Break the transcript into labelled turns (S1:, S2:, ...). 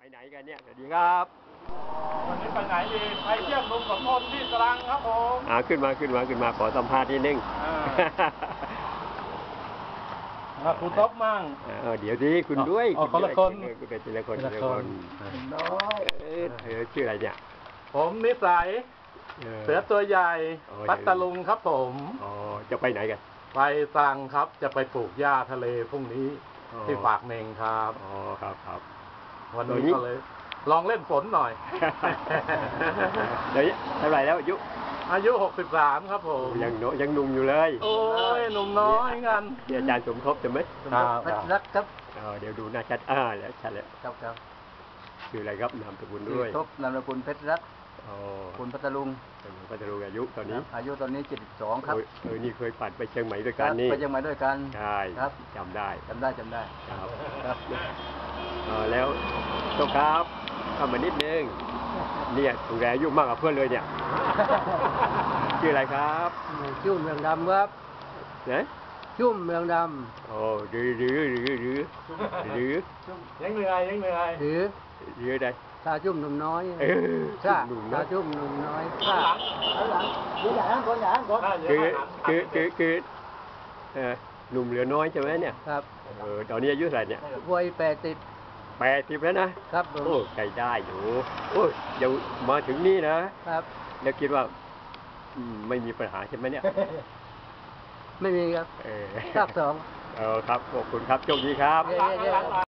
S1: ไหนกันเนี่ยสวัสดีครับ
S2: วันนี้ไปไหนดีไปเที่ยวลุงสมพลที่ตรังครับผม
S1: ขึ้นมาขอสัมภาษณ์นิดนึง
S2: คุณต๊อบมั่ง
S1: เดี๋ยวดิคุณด้วย
S2: คนละคน
S1: คุณเป็นทีละคนน้อยชื่ออะไรเนี่ย
S2: ผมนิสัยเสือตัวใหญ่พัทลุงครับผม
S1: จะไปไหนกัน
S2: ไปตรังครับจะไปปลูกหญ้าทะเลพรุ่งนี้ที่ปากเมงครับ
S1: ครับ
S2: วันนี้ก็เลยลองเล่นฝนหน่อย
S1: เดี๋ยวเท่าไหร่แล้ว
S2: อายุ63ครับผม
S1: ยังหนุ่มอยู่เลย
S2: โอ้ยหนุ่มน้อยงั้น
S1: อาจารย์สมทบจะไหม
S2: รักครับ
S1: เดี๋ยวดูหน้าชัดแล้วชัดแล้ว
S2: ครับ
S1: ชื่ออะไรครับนามสกุลด้วย
S3: ทบนามสกุลเพชรรัตน์คุณพัทลุง
S1: อายุตอนนี้
S3: 72ครับ
S1: นี่เคยปั่นไปเชียงใหม่ด้วยกันนี่
S3: ไปเชียงใหม่ด้วยกัน
S1: ใช่
S3: ครับ
S1: จำได้
S3: ครับ
S1: แล้วโตครับเข้ามานิดนึงเนี่ยถูกแรงอายุมากกว่าเพื่อนเลยเนี่ยชื่ออะไรครับ
S3: ชุ่มเมืองดำครับ
S1: เนี่ย
S3: ชุ่มเมืองดำ
S1: หรือ
S2: ยังเหนื่อย
S1: หรืออะไร
S3: ตาชุ่มหนุ่มน้อยตาชุ่มหนุ่มน้อย
S2: หลังอย่างคน
S1: คือหนุ่มเหลือน้อยใช่ไหมเนี่ย
S3: ครับ
S1: ตอนนี้อายุเท่าไหร่เนี่ย
S3: วัย
S1: 80แล้วนะครับโอ้ใจได้อยู่โอ้ยเดี๋ยวมาถึงนี่นะครับแล้วคิดว่าไม่มีปัญหาใช่ไหมเนี่ย
S3: ไม่มีครับภาค 2
S1: ครับขอบคุณครับโชคดีครับ